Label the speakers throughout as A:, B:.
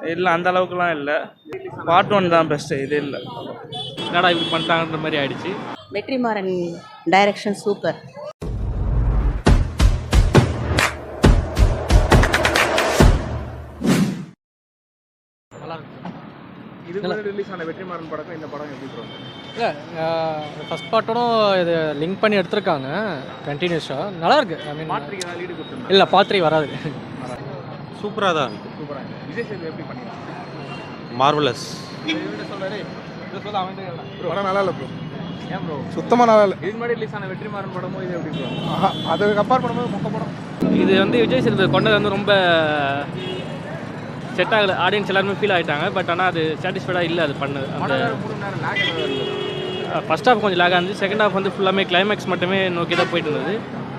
A: இல்லை அந்த அளவுக்குலாம் இல்லை. பார்ட் 1 தான் பெஸ்ட்டு, இது இல்லை.
B: என்னடா இப்படி பண்ணிட்டாங்கன்ற மாதிரி ஆயிடுச்சு.
C: Vetrimaaran direction super.
D: இது முன்னாடி ரிலீஸ் ஆன வெற்றிமாறன் படம் இந்த படம் எப்படி ப்ரோ?
E: இல்லை ஃபஸ்ட் பார்ட்டோடும் இது லிங்க் பண்ணி எடுத்திருக்காங்க கண்டினியூஸாக. நல்லா இருக்கு. ஐ மீன்
D: பாட்ரிக்கு ஏதாவது லீடு கொடுத்துருந்தா?
E: இல்லை பாத்திரி வராது.
F: சூப்பராக தான் இருக்கு.
D: சூப்பராக இருக்கு. விஜய் சேது எப்படி பண்ணிருக்காங்க?
F: மார்வலஸ்.
D: படம் நல்லா இல்லை ப்ரோ. ஏன் ப்ரோ?
G: சுத்தமாக நல்லா இல்லை.
D: இதுக்கு முன்னாடி ரிலீஸ் ஆன வெற்றிமாறன் படமும் இது எப்படி ப்ரோ?
G: அதை கம்பேர் பண்ணும்போது மொக்க படம்.
B: இது வந்து விஜய் சேதுபதி கொண்டது வந்து ரொம்ப செட் ஆகலை. ஆடியன்ஸ் எல்லாருமே ஃபீல் ஆகிட்டாங்க. பட் ஆனால் அது சாட்டிஸ்ஃபைடாக இல்லை அது பண்ணது. அந்த
D: 3 மணி நேரம் லேக் இருந்தது.
B: ஃபஸ்ட் ஹாஃப் கொஞ்சம் லேகாக இருந்துச்சு. செகண்ட் ஹாஃப் வந்து ஃபுல்லாமே கிளைமேக்ஸ் மட்டுமே நோக்கி தான் போயிட்டு இருந்தது.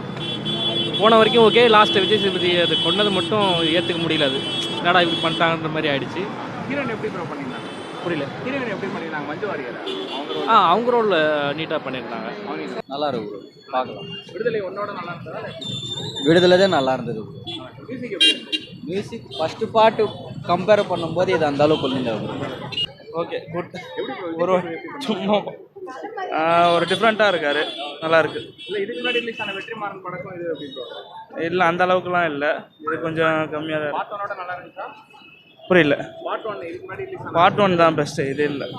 B: போன வரைக்கும் ஓகே. லாஸ்ட்டு விஜய் சேதுபதி அது கொண்டது மட்டும் ஏற்றுக்க முடியல. அது என்னடா இப்படி பண்ணிட்டாங்கன்ற மாதிரி ஆயிடுச்சு.
D: ஹீரோயின் எப்படி ப்ரோ பண்ணியிருந்தாங்க?
B: புரியல.
D: ஹீரோயின் எப்படி பண்ணியிருந்தாங்க? மஞ்சு வாரியரா?
B: அவங்க ரோலில் நீட்டாக பண்ணியிருந்தாங்க.
H: நல்லா இருக்கு, பார்க்கலாம்.
D: விடுதலை ஒன்னோட நல்லா இருந்ததா?
H: விடுதலை தான் நல்லா இருந்தது.
D: மியூசிக் எப்படி இருந்தது?
H: மியூசிக் ஃபஸ்ட்டு பாட்டு கம்பேர் பண்ணும்போது இது அந்த அளவுக்கு இல்லை.
A: Okay, good.
D: எப்படி ப்ரோ?
A: ஒரு சும்மா ஒரு டிஃப்ரெண்ட்டாக இருக்கார், நல்லா இருக்கு.
D: இல்லை இதுக்கு முன்னாடி ரிலீஸ் ஆன வெற்றிமாறன் படக்கும் இது எப்படி ப்ரோ?
A: இல்லை அந்த அளவுக்குலாம் இல்லை, இது கொஞ்சம் கம்மியாக தான்
D: பார்ட் 1 நல்லா இருந்துச்சா?
A: புரியல.
D: பார்ட் 1 இதுக்கு முன்னாடி ரிலீஸ் ஆன
A: பார்ட் 1 தான் பெஸ்ட்டு, இது இல்லை.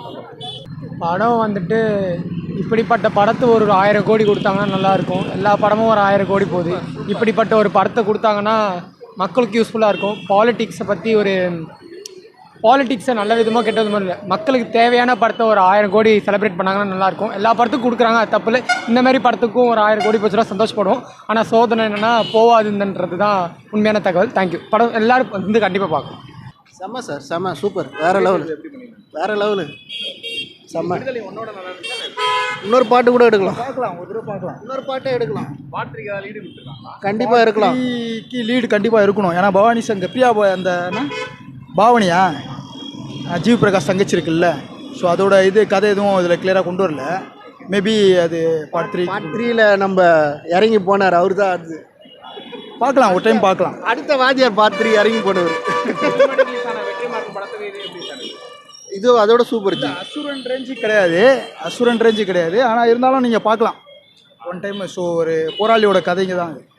E: படம் வந்துட்டு இப்படிப்பட்ட படத்தை ஒரு 1000 கோடி கொடுத்தாங்கன்னா நல்லாயிருக்கும். எல்லா படமும் ஒரு 1000 கோடி போகுது. இப்படிப்பட்ட ஒரு படத்தை கொடுத்தாங்கன்னா மக்களுக்கு யூஸ்ஃபுல்லாக இருக்கும். பாலிட்டிக்ஸை பற்றி ஒரு பாலிட்டிக்ஸை நல்ல விதமாக கெட்ட விதமாக இல்லை, மக்களுக்கு தேவையான படத்தை ஒரு 1000 கோடி செலிப்ரேட் பண்ணாங்கன்னா நல்லாயிருக்கும். எல்லா படத்துக்கும் கொடுக்குறாங்க, அது தப்பு இல்லை. இந்த மாதிரி படத்துக்கும் ஒரு 1000 கோடி போச்சுன்னா சந்தோஷப்படுவோம். ஆனால் சோதனை என்னென்னா போகாதுன்றது தான் உண்மையான தகவல். தேங்க்யூ. படம் எல்லோரும் வந்து கண்டிப்பாக பார்க்கணும்.
G: செம்ம சார், செம்ம சூப்பர், வேறு லெவலு, வேறு லெவலு, செம்ம.
D: விடுதலை ஒன்னோட நல்லா இருந்துச்சா?
G: இன்னொரு பாட்டு கூட எடுக்கலாம், பார்க்கலாம், ஒரு தடவை பார்க்கலாம். இன்னொரு பாட்டே எடுக்கலாம்.
D: பாட்ரிக்கு ஏதாவது லீடு கொடுத்துருக்காங்களா?
G: கண்டிப்பாக இருக்கலாம். லீடு கண்டிப்பாக இருக்கணும். ஏன்னா பவானி சங்க பிரியா அந்த பாவனியா ஜீவ் பிரகாஷ் தங்கச்சி இருக்குல்ல, ஸோ அதோட இது கதை எதுவும் இதில் கிளியராக கொண்டு வரல. மேபி அது பார்ட் 3ல நம்ம இறங்கி போனார், அவர் தான் அது பார்க்கலாம், ஒரு டைம் பார்க்கலாம். அடுத்த வாத்தியார் பார்ட் 3 இறங்கி போனவர்.
D: ரிலீஸ் ஆன வெற்றிமாறன் படத்துக்கு இது எப்படி சார்?
G: இது அதோட சூப்பர். அசுரன் ரேஞ்சு கிடையாது, அசுரன் ரேஞ்சு கிடையாது. ஆனால் இருந்தாலும் நீங்கள் பார்க்கலாம் ஒன் டைம். ஸோ ஒரு போராளியோட கதைங்க தான் அது,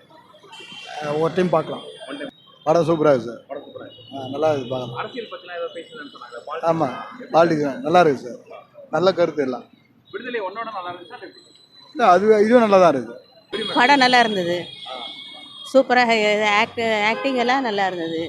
G: ஒரு டைம் பார்க்கலாம். படம் சூப்பராக இருக்குது சார்.
D: படம் சூப்பராக இருக்கு.
G: நல்லா இருக்குது, பார்க்கலாம்.
D: அரசியல் பற்றினா ஏதோ பேசுறேன்னு சொன்னாங்க.
G: ஆமாம், பாலிடிக்ஸ் நல்லா இருக்குது சார், நல்ல கருத்து எல்லாம்.
D: விடுதலை ஒன்னோட நல்லா இருந்துச்சா?
G: இல்லை அது இதுவும் நல்லா தான் இருக்குது.
C: படம் நல்லா இருந்தது, சூப்பராக. ஆக்டிங் எல்லாம் நல்லா இருந்தது.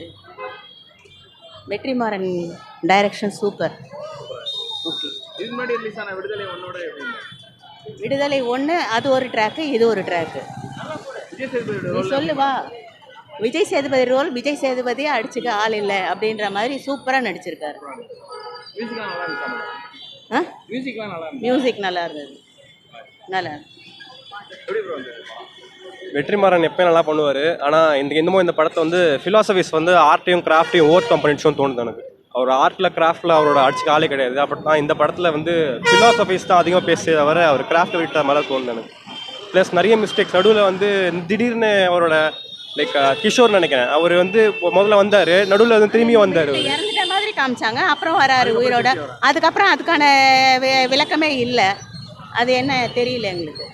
C: Vetrimaaran direction super. ஓகே.
D: இதுக்கு முன்னாடி ரிலீஸ் ஆன விடுதலை ஒன்னோட எப்படி இருந்தது?
C: விடுதலை 1 அது ஒரு ட்ராக்கு, இது ஒரு ட்ராக்கு.
D: விஜய் சேதுபதி
C: நீ சொல்லுவா. விஜய் சேதுபதி ரோல், விஜய் சேதுபதியே அடிச்சுக்க ஆள் இல்லை அப்படின்ற மாதிரி சூப்பராக நடிச்சிருக்காரு.
D: மியூசிக்லாம் நல்லா இருந்துச்சா? மியூசிக்லாம் நல்லா இருந்துச்சு.
C: மியூசிக் நல்லா இருந்தது, நல்லா.
D: எப்படி ப்ரோ இருந்தது?
F: வெற்றிமாறன் எப்பயும் நல்லா பண்ணுவார். ஆனால் இந்த படத்தை வந்து ஃபிலாசபிஸ் வந்து ஆர்ட்டையும் கிராஃப்டையும் ஓவர் கம் பண்ணிடுச்சோன்னு தோணுது எனக்கு. அவர் ஆர்ட்டில் கிராஃப்டில் அவரோட அடிச்சுக்க ஆளே கிடையாது. அப்படி தான் இந்த படத்தில் வந்து ஃபிலாசபிஸ் தான் அதிகமாக பேசியதை தவிர அவர் கிராஃப்டை விட்ட மாதிரி தோணுது எனக்கு. ப்ளஸ் நிறைய மிஸ்டேக்ஸ் நடுவில் வந்து திடீர்னு அவரோட லைக் கிஷோர் நினைக்கிறேன், அவர் வந்து முதல்ல வந்தார், நடுவில் வந்து திரும்பியும் வந்தார்.
C: இறந்துட்ட மாதிரி காமிச்சாங்க, அப்புறம் வராரு உயிரோட. அதுக்கப்புறம் அதுக்கான விளக்கமே இல்லை. அது என்ன தெரியல எங்களுக்கு.